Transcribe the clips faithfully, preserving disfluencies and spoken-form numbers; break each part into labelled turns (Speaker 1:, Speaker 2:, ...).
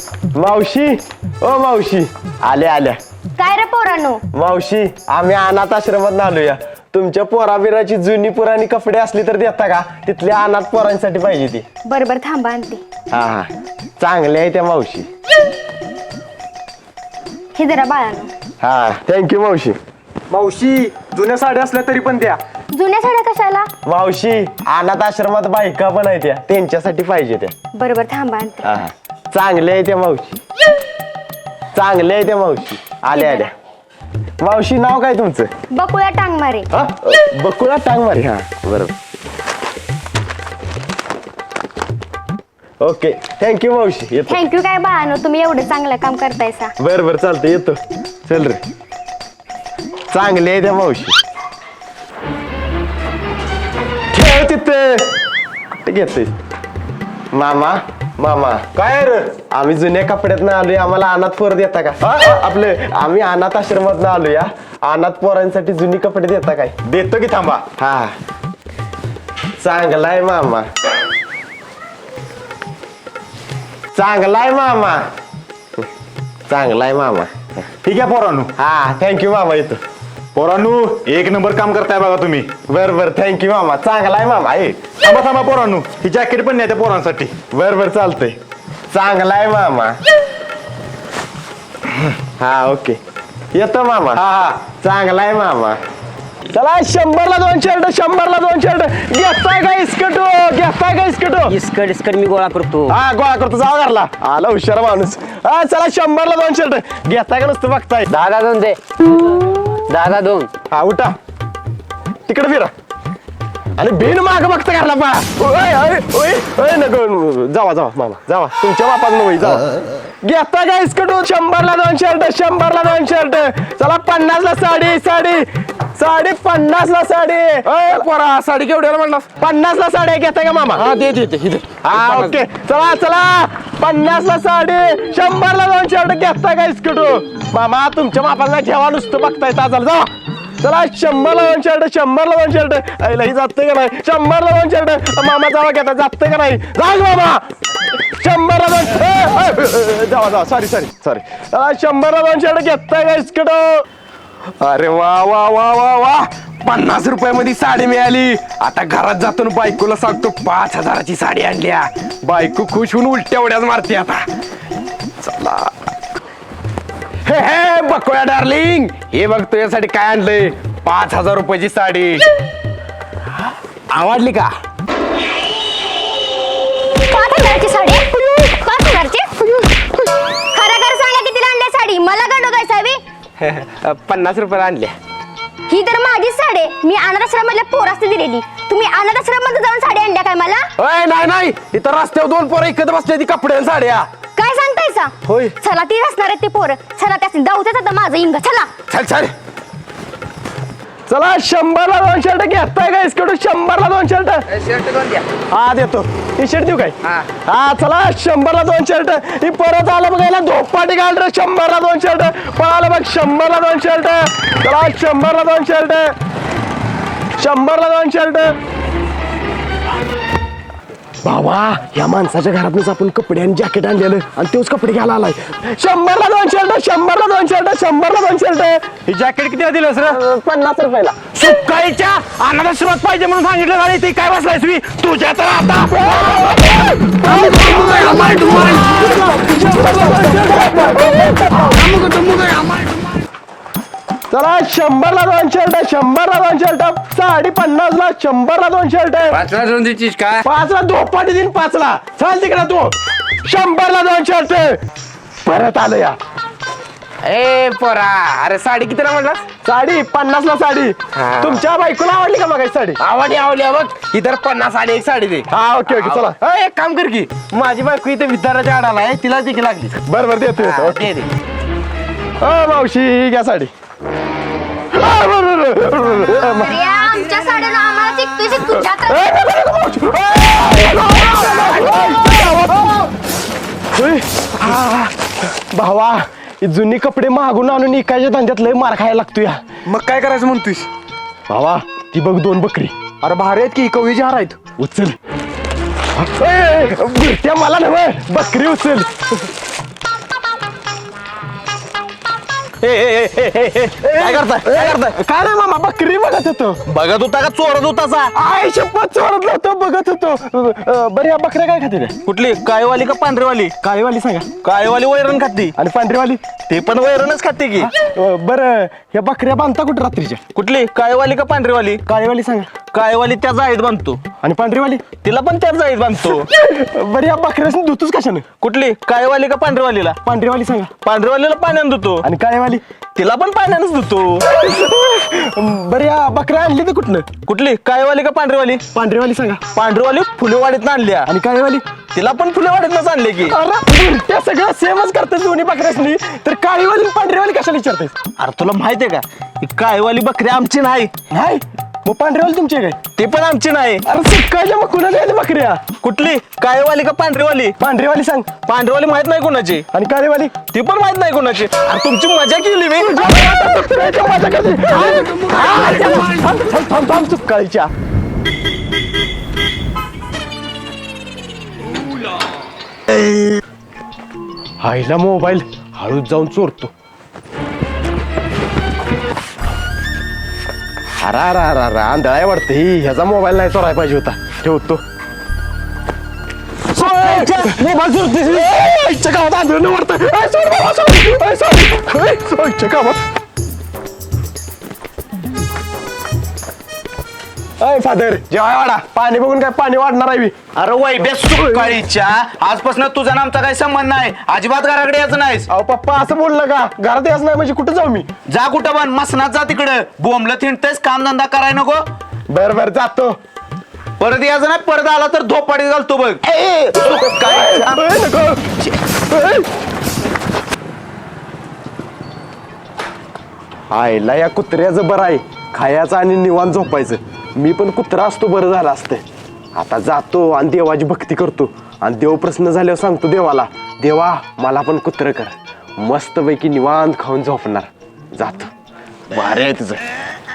Speaker 1: मावशी ओ मावशी आल्या आल्या.
Speaker 2: काय रे पोरांनो?
Speaker 1: मावशी आम्ही अनाथ आश्रमात आलोया. तुमच्या पोराबिराची जुनी पुराणी कपडे असली तर देता का? तिथल्या अनाथ पोरांसाठी पाहिजे ती.
Speaker 2: बर बर थांबा आणते.
Speaker 1: हा हा चांगले आहे त्या मावशी.
Speaker 2: हे जरा बाळांनो.
Speaker 1: हा थँक्यू मावशी.
Speaker 3: मावशी जुन्या साड्या असल्या तरी पण द्या.
Speaker 2: जुन्या साड्या कशाला?
Speaker 1: मावशी अनाथ आश्रमात बायका पण आहे त्या, त्यांच्यासाठी पाहिजे त्या.
Speaker 2: बर बर थांबा आणते.
Speaker 1: हा चांगले आहे त्या मावशी. चांगले आहे त्या मावशी. आल्या आल्या. मावशी नाव काय तुमचं?
Speaker 2: बकुळा टांग मारे.
Speaker 1: हा बकुळा टांग मारे. हा बरोबर. ओके थँक्यू मावशी. येतो.
Speaker 2: थँक्यू काय बाळांनो, तुम्ही एवढं चांगलं काम करतायसा.
Speaker 1: बर बर चालतं येतो. चल रे. चांगले आहे त्या मावशी. ठेव तिथे. कुठे घेतोय मामा? मामा
Speaker 3: काय रे?
Speaker 1: आम्ही जुन्या कपड्यात आलोय, आम्हाला अनाथ पोर देता का? हा, आपले आम्ही अनाथ आश्रमात आलोय. अनाथ पोरांसाठी जुनी कपडे देता काय?
Speaker 3: देतो की थांबा.
Speaker 1: हा चांगलाय मामा. चांगलाय मामा. चांगलाय मामा.
Speaker 3: ठीक आहे पोरांनो.
Speaker 1: हा थँक्यू मामा. येतो.
Speaker 3: पोरांनो एक नंबर काम करताय बघा तुम्ही.
Speaker 1: बर बर थँक्यू मामा. चांगलाय मामा. ए
Speaker 3: थांबा थांबा पोरांनो, ही जॅकेट पण नाही त्या पोरांसाठी.
Speaker 1: बर बर चालतंय. चांगलाय मामा. हा ओके येतो मामा.
Speaker 3: हा हा
Speaker 1: चांगलाय मामा. चला शंभरला दोन शर्ट, शंभरला दोन शर्ट. घेताय का इस्कटो? घेताय का इस्कटो?
Speaker 4: इस्कट इस्कट मी गोळा करतो.
Speaker 1: हा गोळा करतो. जाऊ घरला. आला हुशार माणूस. हा चला शंभरला दोन शर्ट. घेताय का नुसतं बघताय?
Speaker 4: दादा दोन दे. दादा दोन.
Speaker 1: हा उठा. तिकडे फिरा. आणि बिन माग बघता घरला पा. ओय ओय ओय ओय नको. जावा जावा मामा जावा. तुमच्या बापात नव्हे जावा. घेता का इस्कटो? शंभरला दोन शर्ट, शंभरला दोन शर्ट. चला पन्नासला साडी, साडी साडी पन्नासला साडी. अय पोरा साडी केवढ्याला म्हणलास? पन्नासला साडी घेताय का मामा? हा दे दे. हा ओके चला चला पन्नासला साडी, शंभरला दोन शर्ट. घेताय का इस्कटो? मामा तुमच्या बापाला ठेवा, नुसतं बघताय ताजाला. जा चला शंभरला दोन शर्ट, शंभरला दोन शर्ट. आईलाही जातंय का नाही? शंभरला दोन शर्ट. मामा जावा घेता. जातंय का नाही? जा मामा. शंभरला दोन. जावा जावा. Sorry sorry sorry. शंभरला दोन शर्ट. घेताय का इस्कटो? अरे वा वा वा वा वा. पन्नास रुपयामध्ये साडी मिळाली. आता घरात जातो ना बायकोला सांगतो पाच हजाराची साडी आणल्या. बायको खुश होऊन उलट्या उड्याच मारते आता. चला हे हे बकुळा डार्लिंग, हे बघ तुझ्यासाठी काय आणलंय. पाच हजार रुपयाची साडी. आवडली का?
Speaker 2: पाच हजारची साडी? पाच हजारची? खरं खरं सांगा कितीला आणली साडी? मला गंडवताय साहेब.
Speaker 1: पन्नास रुपयाला आणल्या.
Speaker 2: ही तर माझीच साडी आहे. मी अनाथ आश्रमातल्या पोरास दिलेली. तुम्ही अनाथ आश्रमात जाऊन साडी आणल्या काय मला?
Speaker 1: अय नाही नाही, इथं रस्त्यावर दोन पोरं इकत बसले ती कपडे आणि साड्या.
Speaker 2: काय सांगतायसा?
Speaker 1: होय.
Speaker 2: चला ती असणार आहे ते पोरं. चला त्यासनी जाऊच आता माझं इंग. चला
Speaker 1: चल चल. चला शंभरला दोन शर्ट. घेताय का इस्कडून? शंभरला दोन शर्ट.
Speaker 4: शर्ट दोन द्या.
Speaker 1: हा देतो. टी शर्ट देऊ काय?
Speaker 4: हा.
Speaker 1: हा चला शंभरला दोन शर्ट. ही परत आलं बघायला धोपाटी घाल रे. शंभरला दोन शर्ट. पळालं बघ. शंभरला दोन शर्ट. चला शंभरला दोन शर्ट. शंभरला दोन शर्ट. बाबा या माणसाच्या घरातूनच आपण कपडे आणि जॅकेट आणलेलं आणि तोच कपडे घ्यायला आलाय. शंभरला दोन शर्ट. शंभरला दोन शर्ट. शंभरला दोन शर्ट.
Speaker 3: ही जॅकेट किती दिलं सर?
Speaker 1: पन्नास रुपयाला.
Speaker 3: सुकाळीच्या अनाथाश्रमात पाहिजे म्हणून सांगितलं झाले. ते काय बसलायस मी तुझ्या तर आता.
Speaker 1: चला शंभरला दोन शर्ट. शंभरला दोन शर्ट. साडी पन्नासला. शंभरला दोन शर्ट.
Speaker 4: पाचला दोन देतीस काय?
Speaker 1: पाचला धोपाटी दिन. पाचला चाल तिकडे तू. शंभरला दोन शर्ट. परत आलं या.
Speaker 4: ए पोरा, अरे साडी कितीला म्हणला?
Speaker 1: साडी पन्नासला साडी.
Speaker 4: हा.
Speaker 1: तुमच्या बायकोला आवडली का मग साडी?
Speaker 4: आवडी आवडली बघ. इतर पन्नास साडी एक साडी दे.
Speaker 1: हा ओके ओके चला.
Speaker 4: अय, एक काम कर की, माझी बायको इथे विद्याराच्या आडाला आहे, तिला देखील लागली.
Speaker 1: बरं बरं देतो
Speaker 4: हा,
Speaker 1: देतो. ओके.
Speaker 4: दे दे.
Speaker 1: अ मावशी ही घ्या साडी. आ, बरं, बरं, बरं, बरं.
Speaker 2: अरे आमच्या साड्याला आम्हाला चिकतोय चिकतोय.
Speaker 1: ए, नको, नको, मावशी. ए, आ, भावा ही जुनी कपडे मागून आणून इकायच्या धंद्यात लय मार खायला लागतो या.
Speaker 3: मग काय करायचं म्हणतोस?
Speaker 1: भावा ती बघ दोन बकरी.
Speaker 3: अरे भारी आहेत की कवळीचे हार आहेत.
Speaker 1: उचल. ए, बुरट्या मला नव्हे बकरी उचल.
Speaker 3: ए, ए, ए, ए, ए, काय करताय काय करताय
Speaker 1: काय नाही मामा बकरी बघत होतो
Speaker 3: बघत होता का चोरत होताचा
Speaker 1: आय शपथ चोरत नव्हतो बघत होतो अं, बरं या बकऱ्या काय खाते रे
Speaker 3: कुठली काळीवाली का पांढरीवाली
Speaker 1: काळीवाली सांगा
Speaker 3: काळीवाली वैरण खाती
Speaker 1: आणि पांढरीवाली
Speaker 3: ते पण वैरणच खाते की
Speaker 1: अं, बरं ह्या बकऱ्या बांधता कुठं रात्रीच्या
Speaker 3: कुठली काळीवाली का पांढरीवाली
Speaker 1: काळीवाली सांगा
Speaker 3: काळीवाली त्या जाळीत बांधतो
Speaker 1: आणि पांढरीवाली
Speaker 3: तिला पण त्याच जाळीत बांधतो
Speaker 1: बरं या बकऱ्यासनी धुतोच कशाने
Speaker 3: कुठली काळीवाली का पांढरीवालीला
Speaker 1: पांढरीवाली सांगा
Speaker 3: पांढरीवालीला पाण्यानं धुतो
Speaker 1: आणि काळीवाली
Speaker 3: तिला पण पाण्यानंच धुतो
Speaker 1: बरं या बकऱ्या आणली तर कुठनं
Speaker 3: कुठली काळीवाली का पांढरीवाली
Speaker 1: पांढरीवाली सांगा
Speaker 3: पांढरीवाली फुलेवाडीत आणल्या
Speaker 1: आणि काळीवाली
Speaker 3: तिला पण फुलेवाडीतच आणले की
Speaker 1: अरे त्या सगळं सेमच करतात दोन्ही बकऱ्यासनी तर काळीवाली आणि पांढरीवाली कशाला विचारताय
Speaker 3: अरे तुला माहितीये का ही काळीवाली बकरी आमची नाही
Speaker 1: नाही मग पांढरीवाली तुमची आहे काय
Speaker 3: ती पण आमची नाही
Speaker 1: अरे सकाळच्या मग कुणाला आहेत बकऱ्या
Speaker 3: कुठली काळीवाली का पांढरीवाली
Speaker 1: पांढरीवाली सांग
Speaker 3: पांढरीवाली माहित नाही कोणाची
Speaker 1: आणि काळीवाली
Speaker 3: ती पण माहित नाही कोणाची अरे तुमची मजा केली मी
Speaker 1: माझ्या कधी थांब थांब थांब थांब सकाळच्या आईला मोबाईल हळूच जाऊन चोरतो अरा अरा अरा अरा आंधळाय वाटतं ही ह्याचा मोबाईल नाही चोरायला पाहिजे होता ठेवतो मोबाईल चोरते आईच्या गावात आंधळं वाटतं आईच्या गावात अय फादर जेवाय वाडा पाणी बघून काय पाणी वाढणार आहे मी
Speaker 3: अरे वैभ्या सुकाळीच्या आजपासून तुझा आमचा काही संबंध नाही अजिबात घराकडे यायचं नाहीस
Speaker 1: अहो पप्पा असं बोललं का घरात यायचं नाही म्हणजे कुठं जाऊ मी
Speaker 3: जा कुठं पण मसनात जा तिकडे बोंबलं थिंडतेस काम धंदा कराय नको
Speaker 1: बर बर जातो
Speaker 3: परत यायचं नाही परत आला तर धोपाडी घालतो बघ काय
Speaker 1: अय, नको. अय. आईला या कुत्र्याचं बरं आहे खायचं आणि निवांत झोपायचं मी पण कुत्रा असतो बरं झालं असतं आता जातो आणि देवाची भक्ती करतो आणि देव प्रसन्न झाल्यावर सांगतो देवाला देवा मला पण कुत्रं कर मस्तपैकी निवांत खाऊन झोपणार जातो भारी आहे तुझं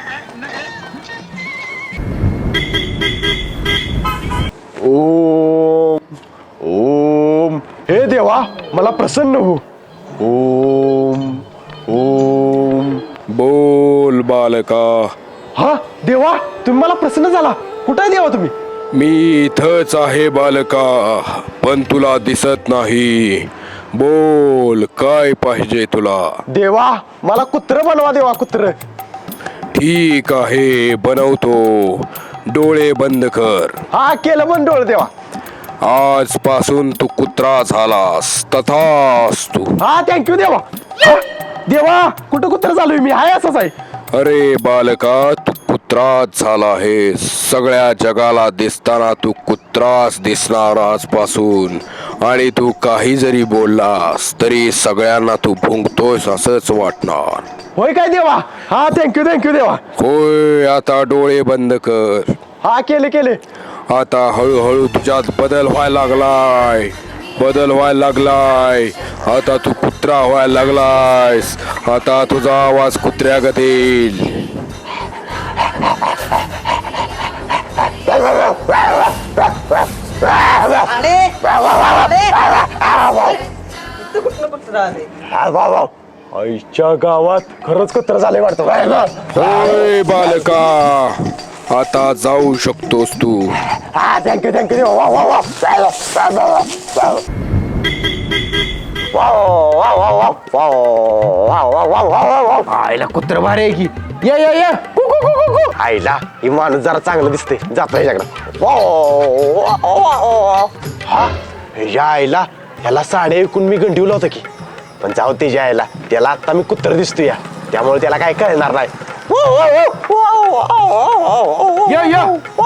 Speaker 1: ओम ओम हे देवा मला प्रसन्न हो ओम ओम
Speaker 5: बोल बालका.
Speaker 1: हा देवा तुम्ही मला प्रसन्न झाला कुठे आहे देवा तुम्ही
Speaker 5: मी इथंच आहे बालका, पण तुला दिसत नाही. बोल काय पाहिजे तुला.
Speaker 1: देवा मला कुत्र बनवा देवा कुत्र.
Speaker 5: ठीक आहे बनवतो. डोळे बंद कर.
Speaker 1: हा केलं पण डोळ देवा.
Speaker 5: आजपासून तू कुत्रा झालास. तथास्तु.
Speaker 1: हा थँक्यू देवा. हा, देवा कुठं कुत्र झालोय मी हाय असंच आहे.
Speaker 5: अरे बालका तू कुत्राच झाला आहे. सगळ्या जगाला दिसताना तू कुत्राच दिसणार आजपासून. आणि तू काही जरी बोललास तरी सगळ्यांना तू भुंकतोयस असंच वाटणार.
Speaker 1: होय काय देवा. हा थँक्यू थँक्यू देवा.
Speaker 5: होय आता डोळे बंद कर.
Speaker 1: हा केले केले.
Speaker 5: आता हळूहळू तुझ्यात बदल व्हायला लागलाय. बदल व्हायला लागलाय. आता तू कुत्रा व्हायला लागलायस. आता तुझा आवाज कुत्र्यागत येईल.
Speaker 1: आईच्या गावात खरंच कुत्र झाले वाटतं.
Speaker 5: होय बालका आता जाऊ शकतोस तू.
Speaker 1: हा थँक्यू थँक्यू देवा. वा वा वा. आईला कुत्र भारी आहे की. ये ये ये. आईला ही माणूस जरा चांगलं दिसते. जातो ह्याच्याकडे. हा ह्याच्या आईला ह्याला साडे ऐकून मी गंडीवलं होतं की, पण जाऊ त्याच्या आईला त्याला आता मी कुत्र दिसतो या, त्यामुळे त्याला काय कळणार नाही. या या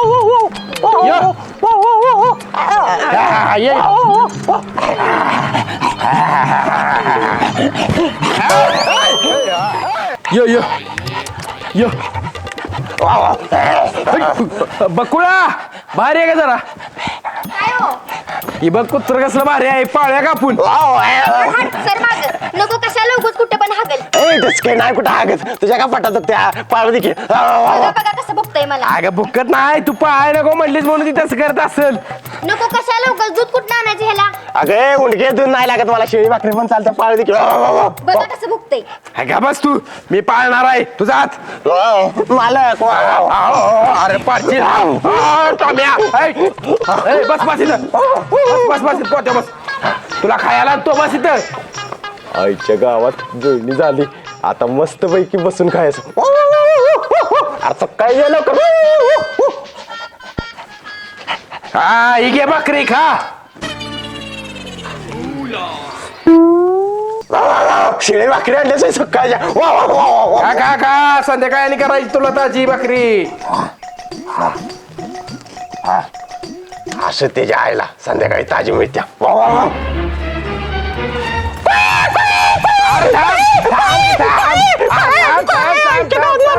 Speaker 1: या यो यो यो. बकुळा भारी आहे का जरा. ही बघ कुत्र कसलं भारी आहे. पाळ्या कापून.
Speaker 2: सर माग नको कशाला उगत कुठे पण हागल.
Speaker 1: ए डसके नाही कुठं हागत तुझ्या का पटात त्या पाळू देखील
Speaker 2: बघा बघा कसं बघतोय मला
Speaker 4: अगं बुक्कत नाही तू पाहाय नको म्हणलीस म्हणून ती तसं करत असेल.
Speaker 2: नको कशाला लवकर दूध कुठं आणायचं ह्याला
Speaker 1: अगे उंडके दूध नाही लागत मला शेळी भाकरी पण चालतं पाळू देखील
Speaker 2: बघा कसं बघतोय
Speaker 4: अगं बस तू मी पाळणार आहे तुझा हात.
Speaker 1: मालक
Speaker 4: अरे पाडशील. आ, टॉम्या. ऐ, ऐ, बस बस इथं बस बस बस इथं पोहोचा बस तुला खायला तो बस इथं.
Speaker 1: आईच्या गावात जोडणी झाली आता मस्त पैकी बसून खायचं अरे सकाळी गेलो का
Speaker 4: हा ही घे बकरी खा.
Speaker 1: शेळी भाकरी आणल्याच सकाळच्या वा, वा, वा, वा, वा.
Speaker 4: खा खा खा संध्याकाळी करायची तुला ताजी बकरी.
Speaker 1: असं त्याच्या आईला संध्याकाळी ताजी मिळत्या वा, वा, वा.
Speaker 4: अरे थांब, थांब, थांब. थांब, थांब,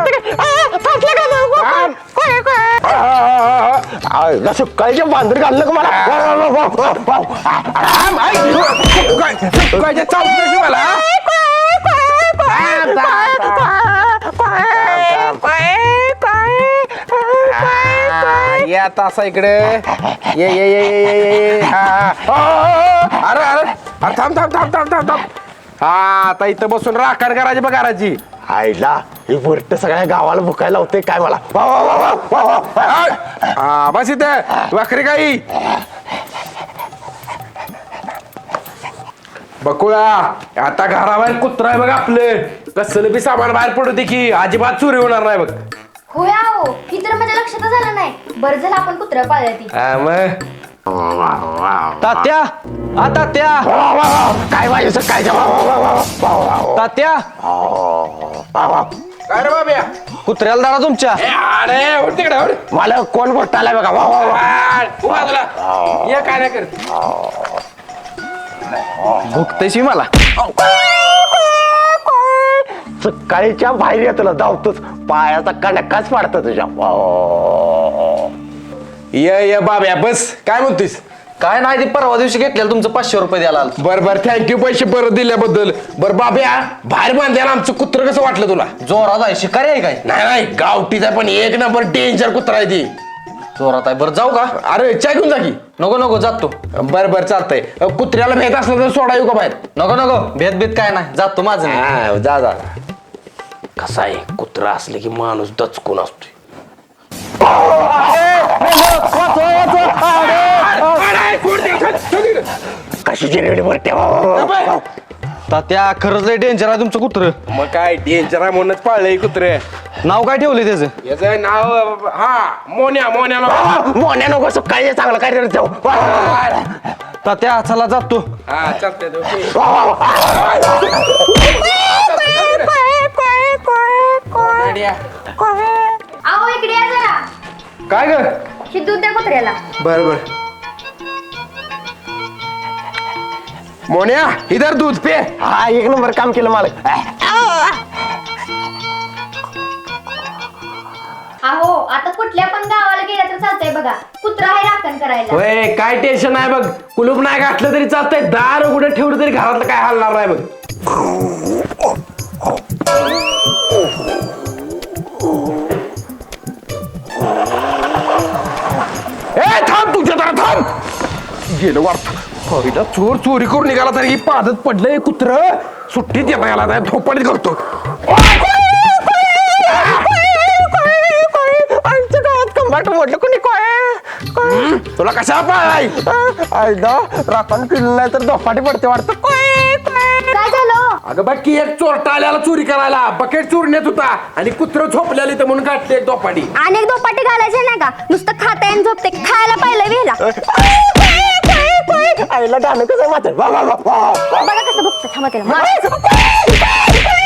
Speaker 4: थांब, थांब, थांब.
Speaker 1: आईला सकाळच्या बांधर घाललं का मला वा, वा, वा, वा, वा, वा.
Speaker 4: थांब, ऐक. काय- काय चावत नाही मला. थांब, थांब, थांब. हा, ये आता असं इकडे ये ये ये ये ये ये हा, हा. अ, अरे अरे अरे थांब थांब थांब थांब थांब थांब. हा आता इथं बसून राखण करायची बघ घराची.
Speaker 1: आईला ही बुरट सगळ्या गावाला भुकायला होते काय मला वा, वा, वा, वा, वा, वा, वा.
Speaker 4: हा बस इथं वाखरी काही बकुळा आता घराबाहेर कुत्रा आहे बघ आपलं कसलं बी सामान बाहेर पडू दे की अजिबात चोरी होणार नाही बघ.
Speaker 2: होय हो ही तर माझ्या लक्षातच झालं नाही बरं झालं आपण कुत्रा पाळल्या ती
Speaker 4: हा, मग
Speaker 3: तात्या आ तात्या
Speaker 1: वा, वा, वा. काय पाहिजे सकाळच्या वा, वा, वा, वा, वा, वा, वा.
Speaker 3: तात्या
Speaker 1: वा, वा.
Speaker 4: काय रे बाब्या
Speaker 3: कुत्र्याला दाडा तुमच्या.
Speaker 4: ए, अरे उठ तिकडे उठ.
Speaker 1: मला कोण मोठा आलाय बघा वा, वा, वा.
Speaker 4: आ, तू बाजूला. ये काय नाही करत.
Speaker 3: भुकतेशी मला.
Speaker 1: सकाळीच्या बाहेर येतो धावतोच पायाचा कणकाच पाडतो तुझ्या वा, वा.
Speaker 4: ये ये बाब्या बस काय म्हणतोस.
Speaker 3: काय नाही ते परवा दिवशी घेतलेलं तुमचं पाचशे रुपये द्यायला आलं.
Speaker 4: बर बर थँक्यू पैसे परत दिल्याबद्दल. बर बाब्या बाहेर बांधल्याला आमचं कुत्र कसं वाटलं तुला.
Speaker 3: जोरात आहे शिकारी आहे काय.
Speaker 4: नाही नाही गावठीचा पण एक नंबर डेंजर कुत्रा आहे ती.
Speaker 3: जोरात आहे बरं जाऊ का.
Speaker 4: अरे चहा घेऊन जा की.
Speaker 3: नको नको जातो.
Speaker 4: बर बर चालतंय कुत्र्याला भेट असलं तर सोडा येऊ का बाहेर.
Speaker 3: नको नको भेद भेद काय नाही जातो माझं मी.
Speaker 4: हा, जा जा कसा आहे कुत्रा असले की माणूस दचकून असतोय.
Speaker 1: कशी जिरवली बरट्या वा, वा, वा, वा.
Speaker 3: तात्या खरंच लय डेंजर आहे तुमचं कुत्र.
Speaker 4: मग काय डेंजर आहे म्हणूनच पाळलंय कुत्रे.
Speaker 3: नाव काय ठेवले त्याचं.
Speaker 4: याचं नाव हा मोन्या मोन्या नाव.
Speaker 1: मोन्या नको सकाळी चांगलं काय करत जाऊ वा, वा, वा.
Speaker 3: तात्या चला जातो.
Speaker 4: हा चालतंय ओके.
Speaker 1: वा, वा, वा.
Speaker 2: अहो इकडे या जरा
Speaker 4: काय ग
Speaker 2: हे दूध द्या कुत्र्याला.
Speaker 4: बर बर मोन्या इधर दूध पे.
Speaker 1: हा एक नंबर काम केलं मालक
Speaker 2: अहो आता कुठल्या पण गावाला गेला तर चालतंय बघा कुत्रा आहे राखण करायला.
Speaker 4: होय काय टेन्शन नाही बघ कुलूप नाही घातलं तरी चालतंय दार उघडं ठेवलं तरी घरातलं काय हलणार नाही बघ. ए थांब तुझ्या दारात थांब. गेलं वाटत पहिला चोर चोरी करून निघाला तरी ही पादत पडलंय कुत्र सुट्टीत येता याला नाही झोपाडीत करतो.
Speaker 1: आमच्या गावात कंबाट मोडलं कोणी काय
Speaker 4: तुला कशा पाय
Speaker 1: आयदा राखण केलं नाही तर दोपाटी पडते वाटतं
Speaker 2: काय झालं.
Speaker 4: अगं बघ की एक चोरटा आल्याला चोरी करायला बकेट चोरण्यात होता आणि कुत्र झोपल्याला इथं म्हणून काढले एक दोपाटी.
Speaker 2: अनेक दोपाटी घालायचे नाही का नुसतं खाता आणि झोपते खायला पाहिलं वेला.
Speaker 1: आईला गाणं कसं माझं वा, वा, वा, वा, वा.
Speaker 2: बघा कसं बघतं थांबा त्याला मारायचं.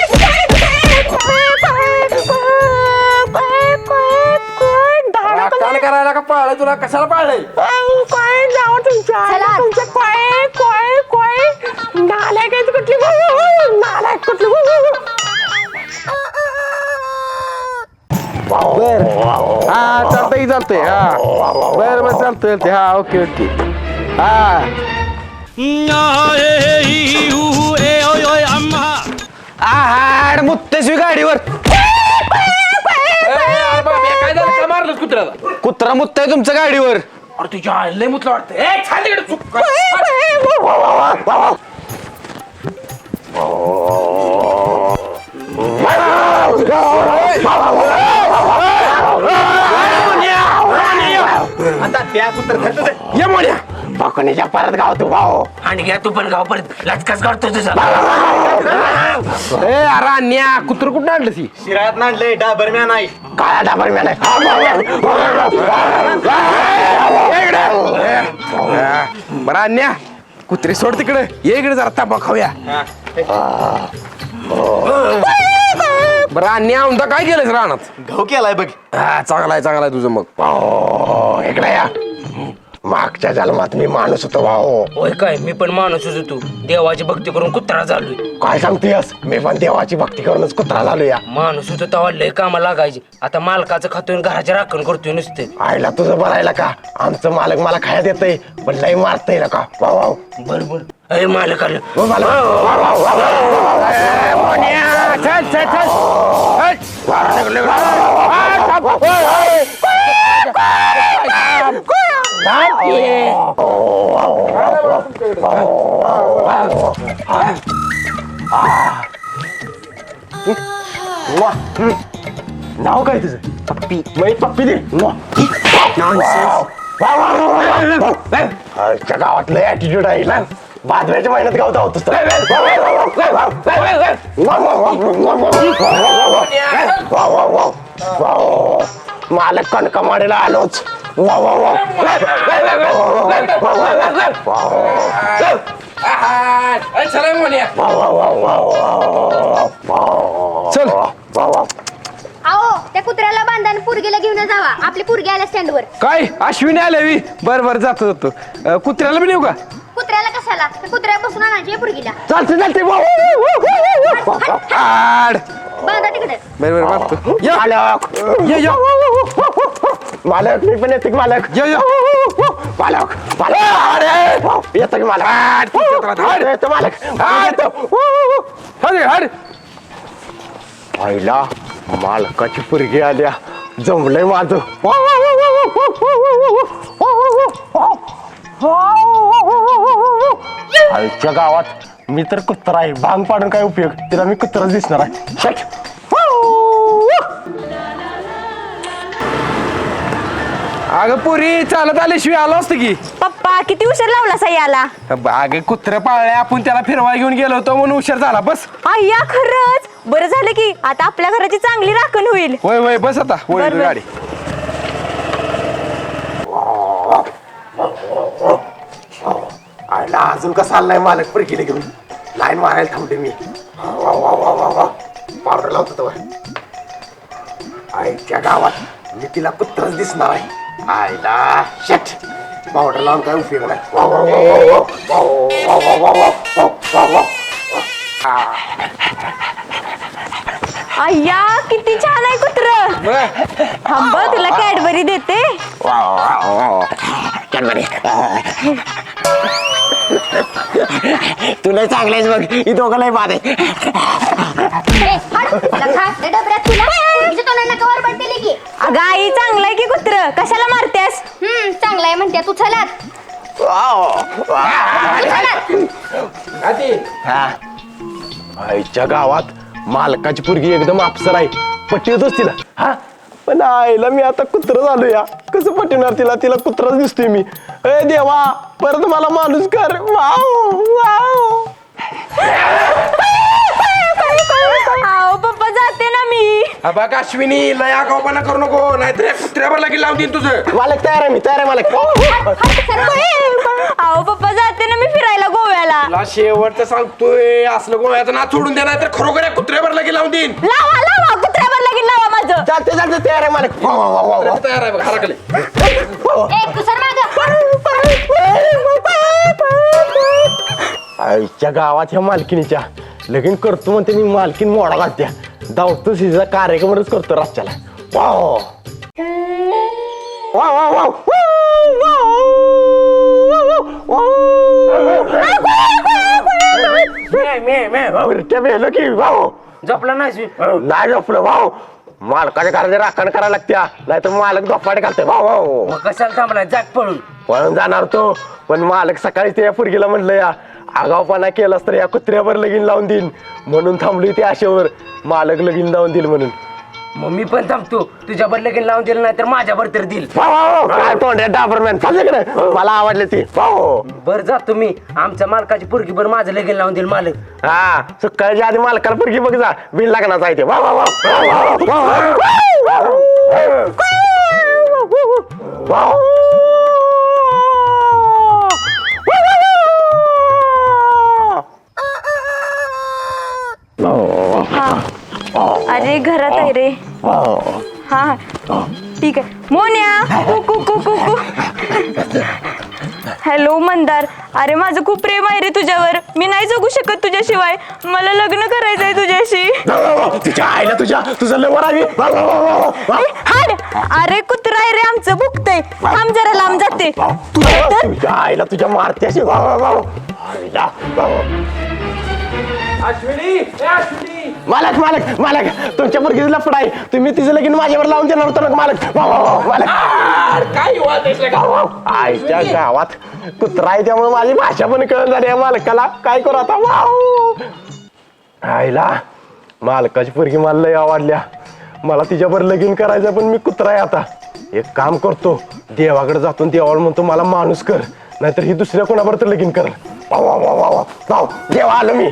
Speaker 4: कान करायला का पाळलंय तुला कशाला पाळलंय.
Speaker 1: काय जावं तुमच्या
Speaker 2: चला.
Speaker 1: तुमच्या काय काय काय नालायक आहे कुठली नालायक कुठली
Speaker 4: बर हा चालतंय चालतंय हा बर बर चालतंय चालतंय हा ओके ओके हा आहाड
Speaker 3: गाडीवर
Speaker 4: अरे बाबा, काय झालं का मारलंस कुत्र्याला?
Speaker 3: कुत्रा मुत्ताय तुमच्या गाडीवर.
Speaker 4: अरे तुझ्या लय मुतलं वाटतं. ए छान तिकडे चुक.
Speaker 3: आता त्या कुत्रा
Speaker 4: ये मोड्या.
Speaker 1: बाकोनीच्या परत गाव तू भाऊ.
Speaker 4: आणि घ्या तू पण गाव परत लचकाच काढतो तुझा. ए अरे अन्या कुत्र कुठं आणलं ती?
Speaker 3: शिरात नांडले डाबरम्या नाही.
Speaker 1: काळा डाबर मॅन
Speaker 4: बरं अन्या कुत्रे सोड तिकडे. ये इकडे जरा तांबा खाऊया. बरं अन्या उंदा काय केलंस रानात?
Speaker 3: घाऊ केलाय बघ.
Speaker 4: हा चांगला आहे चांगला आहे तुझं मग.
Speaker 1: भाऊ इकडे या. मागच्या जन्मात मी माणूस होतो भाऊ.
Speaker 6: होय काय मी पण माणूसच होतो देवाची भक्ती करून कुत्रा झालोय
Speaker 1: काय सांगतेस? मी पण देवाची भक्ती करूनच कुत्रा झालो या.
Speaker 6: माणूस होतो तेव्हा लय कामाला लागायचे आता मालकाचं खातोय घराच्या राखण करतोय नुसते
Speaker 1: आईला तुझं बरायला का? आमचं मालक मला खायला देतय पण लय मारतय ना का भाऊ भाऊ.
Speaker 6: बरोबर अरे मालक आलं
Speaker 1: ओ मालक.
Speaker 4: चल चल चल.
Speaker 1: नाव काय तुझं? पप्पी. मै पप्पी दे. आजच्या गावात लय ऍटिट्यूड आहे ना. बाजऱ्याच्या महिन्यात गावत आहोत मालक कणका माडेला आलोच. वा वा वा.
Speaker 4: चला मोन्या.
Speaker 1: वा वा वा वा वा.
Speaker 4: चल.
Speaker 1: वा वा.
Speaker 2: अहो त्या कुत्र्याला बांधा आणि पुरगीला घेऊन जावा आपली पुरगी आल्या स्टँडवर.
Speaker 4: काय अश्विनी आल्या बर बर जातो जातो. अं, कुत्र्याला पण येऊ का?
Speaker 2: कुत्र्याला कशाला त्या कुत्र्यापासून आणायची आहे पुरगीला.
Speaker 1: चालते चालते भाऊ.
Speaker 4: आड.
Speaker 2: बांधा तिकडे.
Speaker 4: बर बर मारतो. या
Speaker 1: मालक.
Speaker 4: ये ये.
Speaker 1: मालक मी पण येते की मालक.
Speaker 4: ये ये.
Speaker 1: मालक मालक. अरे येतो की मालक. अरे, येतो मालक. येतो.
Speaker 4: हड हड.
Speaker 1: आईला मालकाची पुरगी आल्या. जमलंय माझं. आईच्या गावात मी तर कुत्रा आहे. भांग पाडून काय उपयोग? तिला मी कुत्राच दिसणार आहे. शेट.
Speaker 4: अगं पुरी चालत आल्याशिवाय आलो असतं की.
Speaker 2: पप्पा किती उशीर लावला साई आला.
Speaker 4: अगं कुत्रे पाळले आपण त्याला फिरवाय घेऊन गेलो होतो म्हणून उशीर झाला. बस.
Speaker 2: अय्या खरंच बरं झालं की आता आपल्या घराची चांगली राखण होईल.
Speaker 4: वय वय बस आता वय
Speaker 2: बर, बर.
Speaker 4: गाडी.
Speaker 1: आईला अजून कसा आलाय मालक पुरगीला घेऊन? लाईन मारायला थांबते मी. पावडर लावतो तो. आईच्या गावात मी तिला कुत्रच दिसणार आहे. आईला शेट. पावडर लावून काय उपयोग नाही. वा, वा, वा, वा, वा, वा, वा, वा, वा, वा, वा, वा.
Speaker 2: अय्या किती छान आहे कुत्र. थांब तुला कॅडबरी देते.
Speaker 1: वा, वा, वा, वा. कॅडबरी. तुला चांगलेच बघ. ही दोघं लय बाद आहे.
Speaker 2: अगं आई चांगलाय की कुत्र कशाला मारतेस? हम्म चांगलाय म्हणते तू चलात.
Speaker 1: आईच्या गावात मालकाची पुरगी एकदम अप्सर आहे. पटवतोच तिला. हा पण आईला मी आता कुत्र झालो या. कसं पटवणार तिला? तिला कुत्राच दिसतोय मी. ए देवा परत मला माणूस कर. Wow wow.
Speaker 2: आओ पप्पा जाते ना मी.
Speaker 4: बघ अश्विनी लय आगाऊपणा करू नको नाहीतर कुत्र्यावर लगेच लावून देईन तुझं.
Speaker 1: मालक तयार आहे. मी तयार आहे मालक.
Speaker 2: आओ पप्पा जाते ना मी फिरायला गोव्याला.
Speaker 4: तुला शेवटचं सांगतोय असलं गोव्याचं ना सोडून दे नाही तर खरोखर या कुत्र्यावर लगेच लावून देईन.
Speaker 2: लावा लावा कुत्र्यावर लगीन लावा माझं.
Speaker 1: चालते चालते तयार आहे मालक. वा, वा, वा, वा, वा.
Speaker 4: तयार आहे बघ हरकले.
Speaker 1: आईच्या गावात ह्या मालकीनीच्या लगीन करतो म्हणते मी. मालकीन मोडा घालत्या. धावतो सिजा कार्यक्रमच करतो रातच्याला. Wow wow wow wow.
Speaker 6: झोपला नाही
Speaker 1: नाही झोपलं भाऊ मालकाच्या घराच्या राखण करायला लागत्या नाहीतर मालक झोपाटे घालते भाऊ भाऊ
Speaker 6: मग कशाला थांबलाय जाग पळून
Speaker 1: पळून जाणार तो पण मालक सकाळी त्या पुरगीला म्हणलं या आगावपणा केलास तर या कुत्र्यावर लगीन लावून देईन म्हणून थांबली ती आशेवर मालक लगीन लावून देईल म्हणून
Speaker 6: मग मी पण थांबतो तुझ्यावर लगीन लावून दिलं नाही तर माझ्यावर तर दिल
Speaker 1: भाऊ, भाऊ, काय तोंड्या डाबरमॅन चालले मला आवडले ती भाऊ
Speaker 6: बर जातो मी आमच्या मालकाची पोरगी बर माझं लगीन लावून देईल मालक
Speaker 1: हा सकाळच्या आधी मालकाला पुरगी बघ जा बिन लागणार आहे ते वा वा वा वा वा वा
Speaker 7: अरे घरात आहे रे हा हा ठीक आहे मोन्या कुकू कुकू कु हॅलो मंदार अरे माझं खूप प्रेम आहे रे तुझ्यावर मी नाही जगू शकत तुझ्याशिवाय मला लग्न करायचंय तुझ्याशी
Speaker 1: तुझ्या आईला तुझ्या तुझं लवर आहे
Speaker 7: हाड अरे कुत्रा आहे रे आमचं भुकतय थांब जरा लांब जाते
Speaker 1: तुझ्या आईला तुझ्या मारत्याशी वा वा वा आईला मालक मालक मालक तुमच्या मुलगीचं लफड आहे तुम्ही तिचं लगीन माझ्यावर लावून देणार होतं ना मालक वा, वा, वा, मालक काय आईच्या गावात कुत्रा आहे त्यामुळे माझी भाषा पण कळून झाली आहे मालकाला काय करू आता वाव आईला मालकाची पोरगी मला लय आवडल्या मला तिच्यावर लगीन करायचं पण मी कुत्रा आहे आता एक काम करतो देवाकडे जातो देवाला म्हणतो मला माणूस कर नाहीतर ही दुसऱ्या कोणावर तर लगीन कर वा वा वा वा वा देवा आलो मी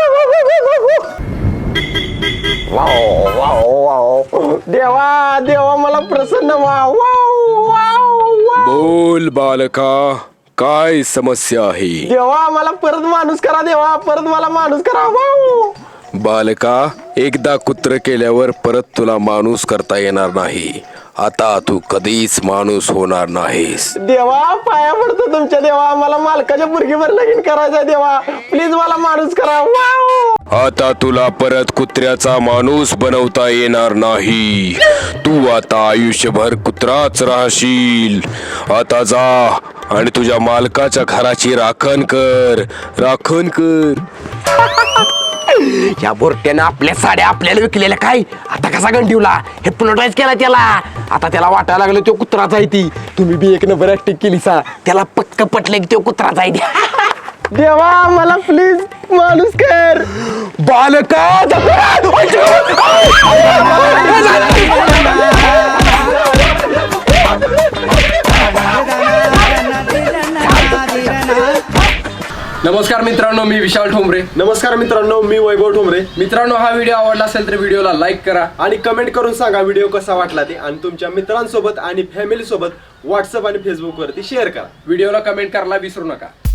Speaker 1: वाव वाव वाव देवा देवा मला प्रसन्न व्हा वाव वाव
Speaker 5: बोल बालका काय समस्या आहे
Speaker 1: देवा मला परत माणूस करा देवा परत मला माणूस करा वाव
Speaker 5: बालका एकदा कुत्र केल्यावर परत तुला माणूस करता येणार नाही आता तू कधीच माणूस होणार नाहीस
Speaker 1: देवा पाया पडतो तुमच्या देवा मला मालकाच्या पोरगीवर लगीन करायचं देवा प्लीज मला माणूस करा वाव
Speaker 5: आता तुला परत कुत्र्याचा माणूस बनवता येणार नाही तू आता आयुष्यभर कुत्राच राहशील आता जा आणि तुझ्या मालकाच्या घराची राखण कर राखण कर
Speaker 4: या बोरट्यानं आपल्या साड्या आपल्याला विकलेल्या काय आता कसा गंडीवला हे प्लोटाईज केला त्याला आता त्याला वाटायला लागलं तो कुत्राचा आहे ती तुम्ही बी एक नंबर ऍक्टिंग केली सा त्याला पक्क पटलं की तो कुत्राचा आहे
Speaker 1: देवा मला प्लीज माणूस कर
Speaker 4: बालका
Speaker 8: नमस्कार मित्रांनो मी विशाल ठोंबरे.
Speaker 1: नमस्कार मित्रांनो मी वैभव ठोंबरे.
Speaker 8: मित्रांनो हा व्हिडिओ आवडला असेल तर व्हिडिओला लाईक करा
Speaker 1: आणि कमेंट करून सांगा व्हिडिओ कसा वाटला ते आणि तुमच्या मित्रांसोबत आणि फॅमिली सोबत व्हॉट्सअप आणि फेसबुक वरती शेअर करा.
Speaker 8: व्हिडिओला कमेंट करायला विसरू नका.